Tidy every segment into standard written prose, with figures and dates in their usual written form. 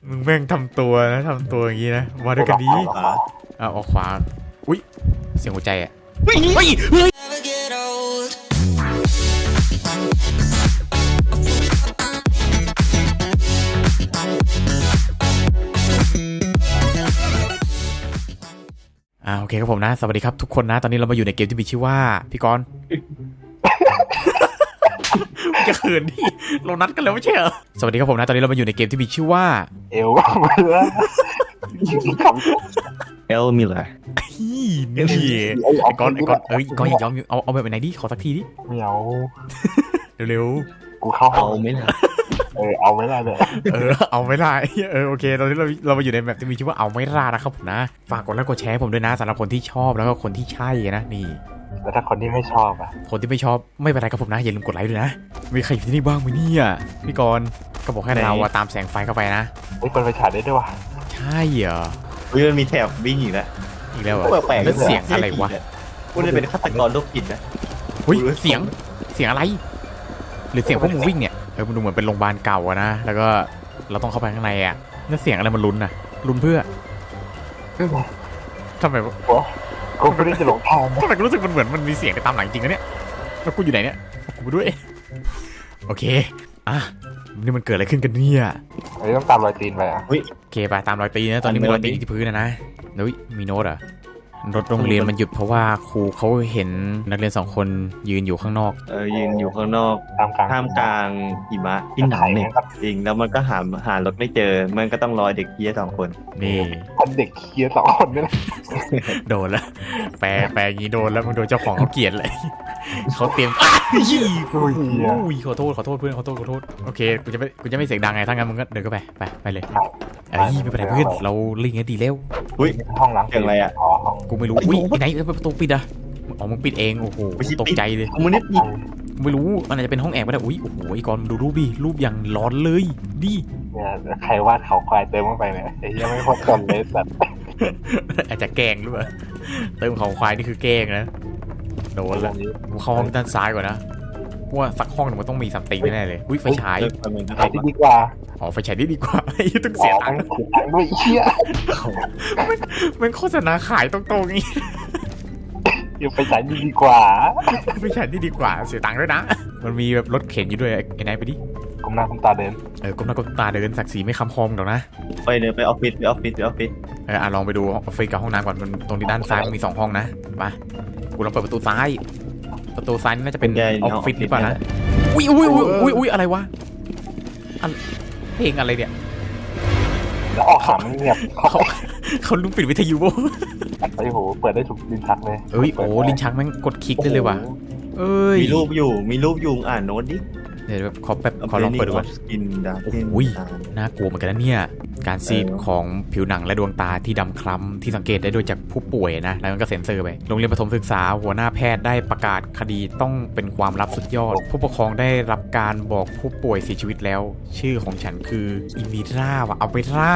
มึงแม่งทำตัวนะทำตัวอย่างนี้นะมาด้วยกันดีออกขวาอุ้ยเสียงหัวใจอ่ะเฮ้ยเฮ้ยโอเคครับผมนะสวัสดีครับทุกคนนะตอนนี้เรามาอยู่ในเกมที่มีชื่อว่าพี่กรณ์ จะเขินดิเรานัดกันแล้วไม่ใช่เหรอสวัสดีครับผมนะตอนนี้เรามาอยู่ในเกมที่มีชื่อว่าเอลมาแล้วเอลมิลเลอร์นี่ไอ้ก้อนก้อนอย่ายอมเอาแบบไหนดิขอสักทีดิไม่เอาเร็วกูเข้าเอาไม่ได้เอาไม่ได้เลยเอาไม่ได้โอเคตอนนี้เรามาอยู่ในแบบที่มีชื่อว่าเอาไม่ได้นะครับผมนะฝากกดไลค์กดแชร์ผมด้วยนะสำหรับคนที่ชอบแล้วก็คนที่ใช่นะนี่แล้วถ้าคนที่ไม่ชอบอ่ะคนที่ไม่ชอบไม่เป็นไรครับผมนะอย่าลืมกดไลค์ด้วยนะมีใครอยู่ที่นี่บ้างไหมเนี่ยพี่กรณ์ก็บอกให้เราตามแสงไฟเข้าไปนะเฮ้ยเปิดไฟฉายได้ด้วยวะใช่เหรอมันมีแถบวิ่งอีกแล้วเหรอแล้วเสียงอะไรวะกูจะเป็นฆาตกรโรคจิตนะเสียงอะไรหรือเสียงพวกมึงวิ่งเนี่ยมันดูเหมือนเป็นโรงพยาบาลเก่าอะนะแล้วก็เราต้องเข้าไปข้างในอ่ะนั่นเสียงอะไรมันลุ้นน่ะลุ้นเพื่อทำไมกูไม่ได้จะหลงทางทำไมกูรู้สึกมันเหมือนมันมีเสียงไปตามหลังจริงนะเนี่ยแล้วกูอยู่ไหนเนี่ยกูไปด้วยโอเคนี่มันเกิดอะไรขึ้นกันเนี่ยต้องตามรอยตีนไปโอเคไปตามรอยตีนนะตอนนี้มีรอยตีนที่พื้นนะมีโน้ตอ่ะรถโรงเรียนมันหยุดเพราะว่าครูเขาเห็นนักเรียน2คนยืนอยู่ข้างนอกยืนอยู่ข้างนอกท่ามกลางหิมะที่หนาเนี่ยจริงแล้วมันก็หารถไม่เจอมันก็ต้องรอเด็กเคี้ย2คนนี่เด็กเคี้ย2คนนี่แหละโดนแล้วแปลอย่างนี้โดนแล้วมึงโดนเจ้าของเขาเกลียดเลยเขาเตรียมขอโทษเพื่อนขอโทษโอเคกูจะไม่เสียงดังไงถ้างั้นมึงก็เดินเข้าไปเลยไม่เป็นไรเพื่อนเราลิงก์ดีแล้วห้องหลังเสียงอะไรอ่ะกูไม่รู้ไหนประตูปิดอ่ะมึงปิดเองโอ้โหตกใจเลยกูไม่รู้มันอาจจะเป็นห้องแอบก็ได้โอ้โหไอ้กอนดูรูปดิรูปอย่างร้อนเลยดิเนี่ยใครวาดเขาควายเติมเข้าไปเนี่ยไอ้ยังไม่พอจนเลยสัตว์อาจจะแกล้งหรือเปล่าเติมเขาควายนี่คือแกล้งนะโดนแล้วกูเข้าห้องด้านซ้ายก่อนนะว่าสักห้องนึงมันต้องมีซัมติงแน่เลยไฟฉายที่ดีกว่าไฟฉายนี่ดีกว่าต้องเสียตังค์ด้วยเชี่ยมันโฆษณาขายตรงๆงี้ไฟฉายนี่ดีกว่าไฟฉายนี่ดีกว่าเสียตังค์ด้วยนะมันมีแบบรถเข็นอยู่ด้วยไอ้นายไปดิก้มหน้าก้มตาเดินก้มหน้าก้มตาเดินศักดิ์ศรีไม่คำคมหรอกนะไปเดินไปออฟฟิศลองไปดูออฟฟิศกับห้องน้ำก่อนมันตรงที่ด้านซ้ายมันมี2ห้องนะมากูลองเปิดประตูซ้ายนี่น่าจะเป็นออฟฟิศหรือเปล่านะอุ้ยอะไรวะเพลงอะไรเนี่ยแล้วออกข่าวเงียบเขาลุกปิดวิทยุโบ้ไอ้โหเปิดได้ทุกลิ้นชักเลยลิ้นชักแม่งกดคลิกได้เลยว่ะมีรูปอยู่อ่านโน้ตดิเดี๋ยวขอลองเปิดดูก่อนน่ากลัวเหมือนกันนะเนี่ยการซีดของผิวหนังและดวงตาที่ดำคล้ำที่สังเกตได้โดยจากผู้ป่วยนะแล้วมันก็เซ็นเซอร์ไปโรงเรียนประถมศึกษาหัวหน้าแพทย์ได้ประกาศคดีต้องเป็นความลับสุดยอดผู้ปกครองได้รับการบอกผู้ป่วยเสียชีวิตแล้วชื่อของฉันคืออิมิราว่ะเอาไปล่า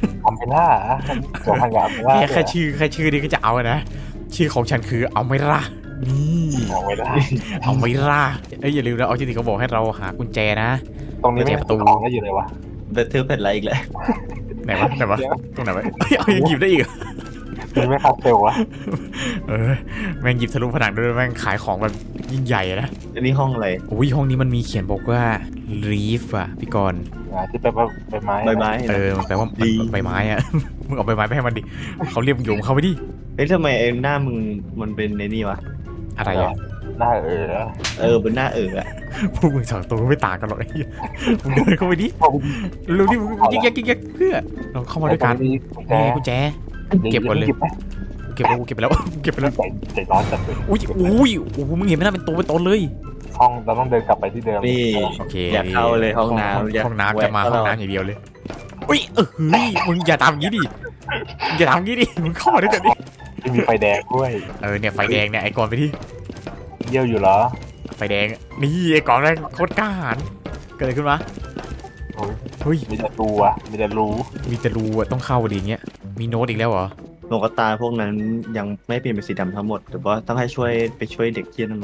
แค่ชื่อนี้ก็จะเอานะชื่อของฉันคือเอาไม่ล่านี่เอาไม่ล่าอย่าลืมนะออจิติเขาบอกให้เราหากุญแจนะตรงนี้ไม่ประตูก็อยู่เลยวะเบอร์เทอร์เป็นอะไรอีกเลยไหนวะตรงไหนวะยังหยิบได้อีกนี่ไม่คัดเซลวะแม่งหยิบทะลุผนังด้วยแม่งขายของแบบยิ่งใหญ่นะอันนี้ห้องอะไรห้องนี้มันมีเขียนบอกว่า leaf อ่ะพี่กรณ์ที่แปลว่าใบไม้มันแปลว่าใบไม้อ่ะมึงเอาใบไม้ไปให้มันดิเขาเรียกโยมเขาไปดิทำไมหน้ามึงมันเป็นในนี่วะอะไรอ่ะหน้าเป็นหน้าอ่ะพวกมึงสองตัวไม่ต่างกันหรอกไอ้มึงเดินเข้าไปดิเร็วดิมึงยิกเพื่อเราเข้ามาด้วยกันนี่กุญแจเก็บก่อนเลยเก็บไปแล้วใจร้อนจัดเลยอุ้ยมึงเห็นไหมน่าเป็นตัวเป็นตนเลยห้องเราต้องเดินกลับไปที่เดิมนี่โอเคอย่าเข้าเลยห้องน้ำจะมาห้องน้ำอย่างเดียวเลยอุ้ยมึงอย่าทำงี้ดิมึงเข้ามาด้วยกันดิมีไฟแดงด้วยเนี่ยไฟแดงเนี่ยไอ้กอนไปที่เยี่ยวอยู่เหรอไฟแดงนี่ไอ้กอนแรงโคตรกล้าหาญเกิดอะไรขึ้นวะมีแต่รูต้องเข้าดีเงี้ยมีโน้ตอีกแล้วเหรอโลกตาพวกนั้นยังไม่เปลี่ยนเป็นสีดำทั้งหมดแต่ว่าต้องให้ไปช่วยเด็กเที่ยนนั่นวะไอ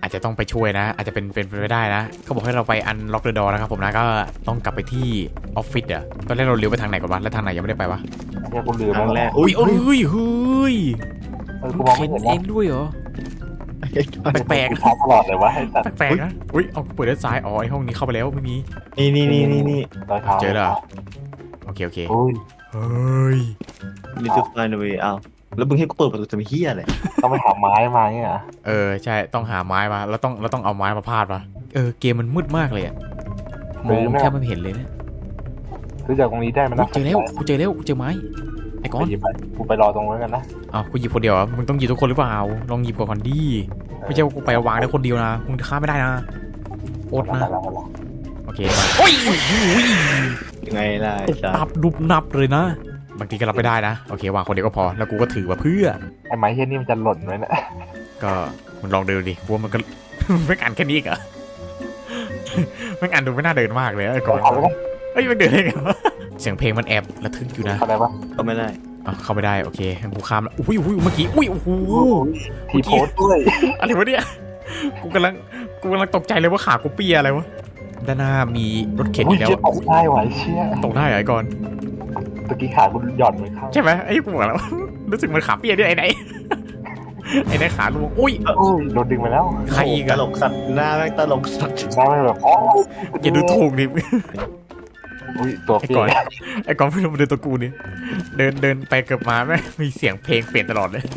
อาจจะต้องไปช่วยนะ อาจจะเป็นไปได้นะเขาบอกให้เราไปอันล็อกเดอะดอนะครับผมนะก็ต้องกลับไปที่ออฟฟิศอ่ะตอนแรกเราเลี้ยวไปทางไหนก่อนวะแล้วทางไหนยังไม่ได้ไปวะไอ้เหี้ยกูลืมครั้งแรกอุ้ยเฮ้ยเฮ้ยกูมองไม่เห็นเองด้วยเหรอแปลกกูช้าตลอดเลยวะไอ้สัตว์ๆแปลกๆนะอุ้ยเอาเปิดด้านซ้ายอ๋อไอห้องนี้เข้าไปแล้วไม่มีนี่รอยเท้าเจอแล้วเหรอโอเคอุ้ยเฮ้ยนี่คือ find a way เอาแล้วมึงให้กูเปิดประตูจะมีเฮียอะไรต้องไปหาไม้มาเนี่ยเหรอใช่ต้องหาไม้มาแล้วต้องเอาไม้มาพาดปะเกมมันมืดมากเลยอะมองแทบไม่เห็นเลยนะซื้อจากตรงนี้ได้ไหมนะเจอแล้วกูเจอไม้ไอ้ก้อนกูไปรอตรงนั้นกันนะอ้าวกูหยิบคนเดียวมึงต้องหยิบทุกคนหรือเปล่าลองหยิบก่อนดิไม่ใช่ว่ากูไปวางได้คนเดียวนะมึงฆ่าไม่ได้นะอดนะโอเคมาโอ้ยยังไงล่ะตบนับดุบนับเลยนะบางทีก็รับไม่ได้นะโอเควางคนเดียวก็พอแล้วกูก็ถือมาเพื่อไอ้ไม้เฮี้ยนี่มันจะหล่นไหมเนี่ยก็มึงลองเดินดิกูว่ามันก็ ไม่อ่านแค่นี้เหรอไม่อ่านดูไม่น่าเดินมากเลยไอ้ก่อนเฮ้ยมันเดินได้ไงวะเสียงเพลงมันแอบระทึกอยู่นะอะไรวะก็ไม่ได้เข้าไม่ได้โอเคงั้นกูข้ามแล้วอุ้ยเมื่อกี้อุ้ยโอ้โหทีโพสด้วยอะไรวะเนี่ยกูกำลังตกใจเลยว่าขากูเปียอะไรวะด้านหน้ามีรถเข็นอีกแล้วตกได้ไหวเชี่ยตกได้เหรอไอ้ก่อนตะกี้ขากูหย่อนไปข้างใช่ไหมไอ้กูบอกแล้ว รู้สึกมันขาเปียด้วยไอ้ไหน ไอ้ไหนขาลวงอุ้ยอุ้ยโดนดึงไปแล้วใครอีกตอะลกสัตว์หน้าแม่งตลกสัตว์ได้ไหมแบบอ๋ออย่าดูถูกดิอุ้ยตัวไอ้เปียก่อนไอ้ก่อนไม่รู้มันเดินตัวกูนี่เดินไปเกือบมาแม่มีเสียงเพลงเปลี่ยนตลอดเลย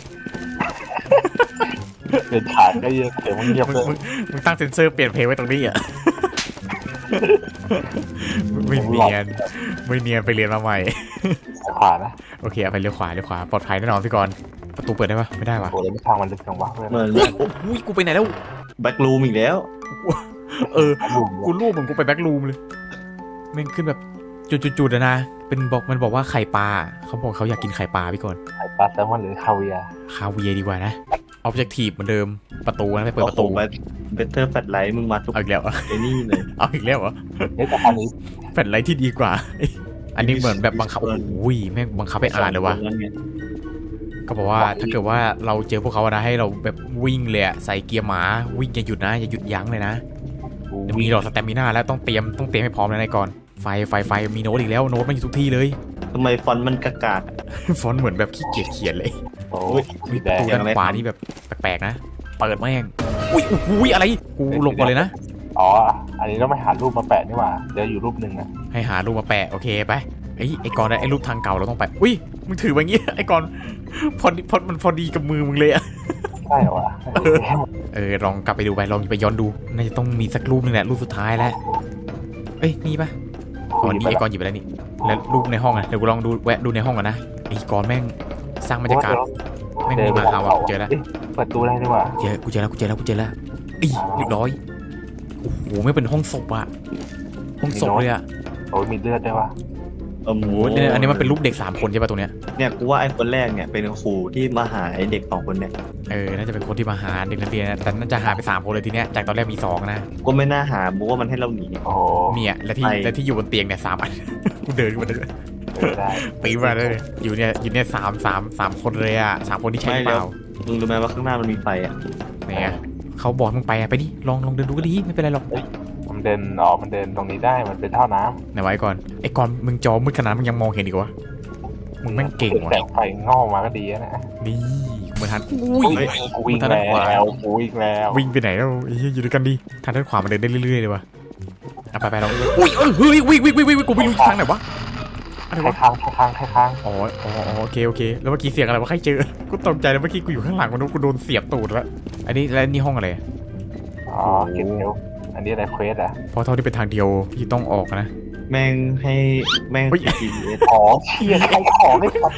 เปลี่ยนขาได้เยอะเดี๋ยวมึงเงียบมึงเลยมึงตั้งเซนเซอร์เปลี่ยนเพลงไว้ตรงนี้อ่ะ ไม่เนียนไปเรียนมาใหม่ขวานะโอเคเอาไปเลี้ยวขวาปลอดภัยแน่นอนพี่กรณ์ประตูเปิดได้ปะไม่ได้วะโอ้ยไม่ทางมันลึกจังวะเพื่อนเหมือนอุ้ยกูไปไหนแล้วแบ็กรูมอีกแล้วกูรูปเหมือนกูไปแบ็กรูมเลยแม่งขึ้นแบบจุดๆนะเป็นมันบอกว่าไข่ปลาเขาบอกเขาอยากกินไข่ปลาพี่กรณ์ไข่ปลาแซลมอนหรือคาเวียร์คาเวียร์ดีกว่านะออบเจกตีฟเหมือนเดิมประตูนะไปเปิดประตูเบเตอร์แฟลไลท์มึงมาทุกเอาอีกแล้วเหรอไอ้นี่เลยเอาอีกแล้วเหรอเฮ้ยแต่อันนี้แฟลชไลท์ที่ดีกว่า อันนี้เหมือนแบบบังคับโอ้ยแม่งบังคับให้อ่านเลยว่ะ ก็บอกว่าถ้าเกิดว่าเราเจอพวกเขานะให้เราแบบวิ่งเลยอะใส่เกียร์หมาวิ่งอย่าหยุดนะอย่าหยุดยั้งเลยนะเดี๋ยวมีหลอดสแตมิน่าแล้วต้องเตรียมให้พร้อมแล้วนายก่อนไฟมีโน้ตอีกแล้วโน้ตมันอยู่ทุกที่เลยทำไมฟอนต์มันกากาฟอนต์เหมือนแบบขี้เกียจเขียนเลยโอ้อุ้ยยสีแดประงตูด้านขวานี่แบบแปลกๆนะเปิดแม่งอุ้ยอะไรกูลงก่อนเลยนะอ๋ออันนี้ต้องไปหารูปมาแปะนี่หว่าเดี๋ยวอยู่รูปหนึ่งนะให้หารูปมาแปะโอเคไปไอ้กอนไอ้รูปทางเก่าเราต้องไปอุ้ยมึงถือแบบนี้ไอ้กอนมันพอดีกับมือมึงเลยอะใช่เหรอวะลองกลับไปดูไปลองไปย้อนดูน่าจะต้องมีสักรูปนึงแหละรูปสุดท้ายแล้วนี่ปะอ๋อนี่ไอ้กอนหยิบไปแล้วนี่แล้วรูปในห้องอ่ะเดี๋ยวกูลองดูแวะดูในห้องก่อนนะไอ้กอนแม่งสร้างบรรยากาศแม่งมีมาหาว่ะเจอแล้วเปิดตู้ได้นี่หว่ากูเจอแล้วเรียบร้อยโอ้โหไม่เป็นห้องศพอะห้องศพเลยอะโอ้ยมีเลือดด้วยวะโอ้โหโอ้โหเนี่ยอันนี้มันเป็นรูปเด็ก3คนใช่ปะตรงเนี้ยเนี่ยกูว่าไอ้คนแรกเนี่ยเป็นครูที่มาหาไอ้เด็ก2คนเนี่ยน่าจะเป็นคนที่มาหาเด็กนักเรียนนะแต่น่าจะหาไป3คนเลยทีเนี้ยจากตอนแรกมี2นะก็ไม่น่าหาบูว่ามันให้เราหนีโอ้โหเนี่ยและที่อยู่บนเตียงเนี่ย3 อัน กูเดินขึ้นมาเลยได้ปีนมาเลยอยู่เนี่ยสามคนเลยอ่ะ3 คนที่ใช่หรือเปล่ามึงรู้ไหมว่าข้างหน้ามันมีไฟอ่ะเนี่ยเขาบอกมึงไปอ่ะไปดิลองเดินดูก็ดีไม่เป็นไรหรอกมันเดินมันเดินตรงนี้ได้มันเป็นท่อน้ำไหนไว้ก่อนไอ้ก่อนมึงจอมืดขนาดมึงยังมองเห็นอีกวะมึงแม่งเก่งว่ะแสงไฟงอกมาก็ดีนะนี่เหมือนทันอุ้ยกูวิ่งแล้วกูวิ่งแล้ววิ่งไปไหนแล้วอยู่ด้วยกันดิทางด้านขวามันเดินได้เรื่อยๆเลยวะไปลองอุ้ยเฮ้ยวิ่งกูไม่รู้ทางไหนวะอะไรใครวะค้างอ๋อโอเคแล้วเมื่อกี้เสียงอะไรวะใครเจอกูตกใจแล้วเมื่อกี้กูอยู่ข้างหลังมันกูโดนเสียบตูดแล้วอันนี้แล้วนี่ห้องอะไรอ๋อเก็บเร็วอันนี้อะไรเควสอ่ะเพราะเท่าที่เป็นทางเดียวที่ต้องออกนะแม่งให้แม่ง GPS อ๋อเชี่ยใครของไม่ตัด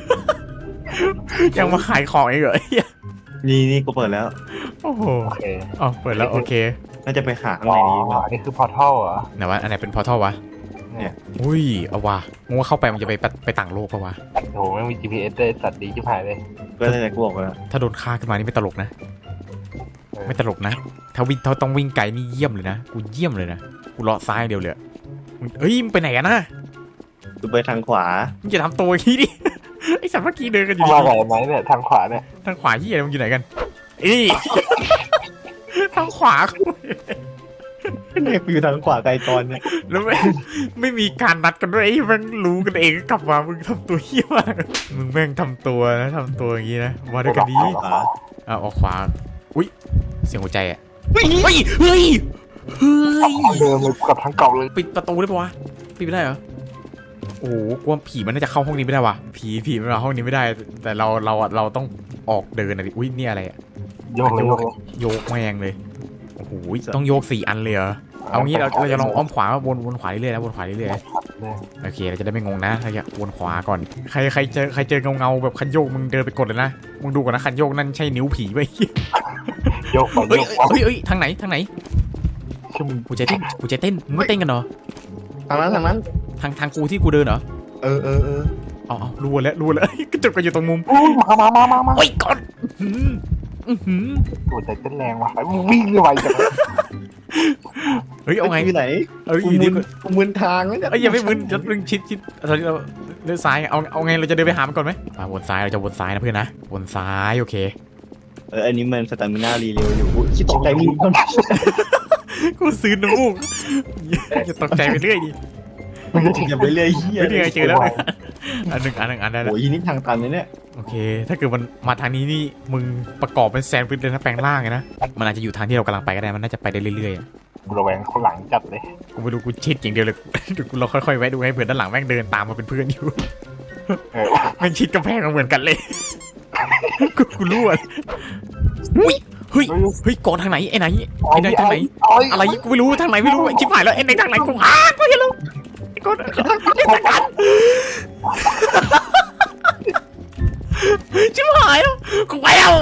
ยังมาขายของอีกเหรอนี่กูเปิดแล้วโอ้โหโอเคอ๋อเปิดแล้วโอเคน่าจะไปหาข้างในนี้ป่ะอันนี้คือพอร์ทัลเหรอไหนวะอันไหนเป็นพอร์ทัลวะเนี่ยอุ้ยเอาว่ะงงว่าเข้าไปมันจะไปต่างโลกปะวะโอ้โหไม่มี GPS เลยสัตว์ดีชิบหายเลยก็ได้แต่กูบอกแล้วถ้าโดนฆ่าขึ้นมานี่ไม่ตลกนะไม่ตลกนะถ้าต้องวิ่งไกลนี่เยี่ยมเลยนะกูเยี่ยมเลยนะกูเลาะซ้ายเดียวเลยมึงไปไหนกันนะกูไปทางขวามึงจะทำตัวอย่างนี้ดิ ไอสัตว์เมื่อกี้เดินกันอยู่มาไหนไหมเนี่ยทางขวาเนี่ยทางขวาที่อะไรมึงอยู่ไหนกันทางขวาเนี่ยอยู่ทางขวาไกลตอนเนี่ยแล้วไม่มีการนัดกันด้วยไอ้แม่งรู้กันเองกลับมามึงทำตัวเหี้ยมากมึงแม่งทำตัวอย่างนี้นะมาด้วยกันดีเอาออกขวาอุ้ยเสียงหัวใจอ่ะเฮ้ยเฮ้ยเฮ้ยเดิมเลยกับทั้งเก่าเลยปิดประตูได้ปะวะปิดไม่ได้เหรอโอ้โหกลัวผีมันน่าจะเข้าห้องนี้ไม่ได้วะผีมันมาห้องนี้ไม่ได้ แต่เราต้องออกเดินนะดิอุ้ยนี่อะไรอ่ะโยกเลยโยกแมงเลยโอ้โหต้องโยก4 อันเลยเหรอเอางี้เราจะลองอ้อมขวาวนขวาเรื่อยๆนะวนขวาเรื่อยๆโอเคเราจะได้ไม่งงนะเราจะวนขวาก่อนใครเจอเงาแบบคันโยกมึงเดินไปกดเลยนะมึงดูก่อนนะคันโยกนั่นใช่นิ้วผีไหมโยกไปโยกไปเฮ้ยทางไหนกูใจเต้นมึงไม่เต้นกันเหรอทางนั้นทางกูที่กูเดินเหรอเออเอารู้แล้วกระจกก็อยู่ตรงมุมมาโอ้ยก่อนตัวใจเต้นแรงว่ะวิ่งไวจังเฮ้ยเอาไงอยู่ไหนเอ้ยกูมึนทางแล้วเนี่ยเอ้ยอย่าไม่มึนจะมึงชิดตอนนี้เราเดินซ้ายเอาไงเราจะเดินไปหามันก่อนไหมวนซ้ายเราจะวนซ้ายนะเพื่อนนะวนซ้ายโอเคอันนี้มันสตามิน่ารีเร็วอยู่คิดตกใจมึงกูซื้อน้ำมูกอย่าตกใจไปเรื่อยดิอย่าไปเรื่อยเฮียไม่ได้ไงเจอแล้วอันหนึ่งได้แล้วโอ้ยนี่ทางตันเลยเนี่ยโอเค ถ้าเกิดมันมาทางนี้นี่มึงประกอบเป็นแซนด์วิชเลยนะแปลงร่างไงนะมันอาจจะอยู่ทางที่เรากำลังไปก็ได้มันน่าจะไปได้เรื่อยๆระแวงคนหลังจัดเลยกูไม่รู้กูชิดอย่างเดียวเลย เดี๋ยวกูเราค่อยๆแวะดูให้เพื่อนด้านหลังแม่งเดินตามมาเป็นเพื่อนอยู่ แม่งชิดกำแพงมาเหมือนกันเลย กูรู้อ่ะอุ้ยเฮ้ยก่อนทางไหนไอ้ไหนทางไหนอะไรกูไม่รู้ทางไหนไม่รู้ไอ้ชิบหายแล้วไอ้ไหนทางไหนกูกูไม่รู้ไอ้ก่อนชิบหายแล้วกูไปแล้ว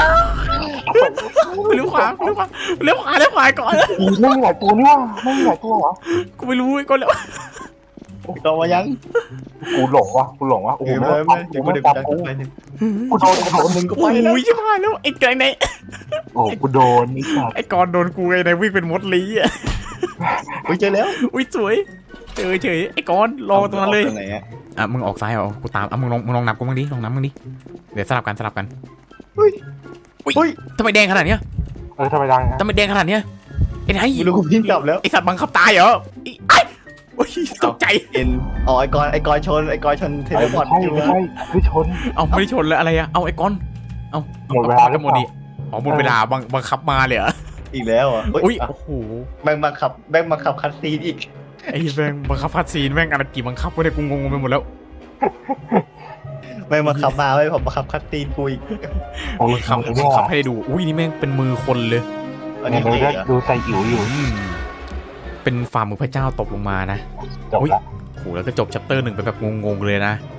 เลี้ยวขวาก่อนไม่มีหลายตัวนี่วะไม่มีหลายตัวเหรอกูไม่รู้ไอ้ก่อนแล้วก็ว่ายังกูหลงวะโอ้โหเดี๋ยวกูจับกูไปหนึ่งกูโดนมึงก็ไปโอ้ยชิบหายแล้วไอ้ไก่ไหนโอ้กูโดนนี่สัตว์ไอ้ก่อนโดนกูไอ้ไหนวิ่งเป็นมดลีอ่ะอุ้ยเจอแล้วอุ้ยสวยเฉยไอ้ก่อนรอตรงนั้นเลยไหนอ่ะอ่ะมึงออกซ้ายเหรอกูตามอ่ะมึงลองนับกูบ้างดิลองนับมึงดิเดี๋ยวสลับกันอุ้ยทำไมแดงขนาดเนี้ยทำไมดังทำไมแดงขนาดเนี้ยไอ้ไหนไม่รู้กูพิ้งกลับแล้วไอ้สัตว์บังคับตายเหรอไอ้โอ้ยตกใจเอ็นอ๋อไอ้กอนชนเทเลพอร์ตอยู่ไม่ใช่ไม่ชนเอาไม่ได้ชนเลยอะไรอะเอาไอ้ก่อนเอาหมดเวลาหมดดิอ๋อหมดเวลาบังคับมาเลยเหรออีกแล้วอ่ะอุ้ยโอ้โหแม่งมาขับคัสซีนอีกไอ้แม่งบังคับพัดซีนแม่งอะไรกี่บังคับวะเนี่ยกูงงไปหมดแล้วแม่งมาขับมาไว้ผมมาขับคัสซีนกูอีกโอ้ยขับให้ดูอุ้ยนี่แม่งเป็นมือคนเลยอันนี้ดูใส่อิ๋วอยู่เป็นฝ่ามือพระเจ้าตกลงมานะจบละโหแล้วก็จบชัปเตอร์ 1ไปแบบงงๆเลยนะ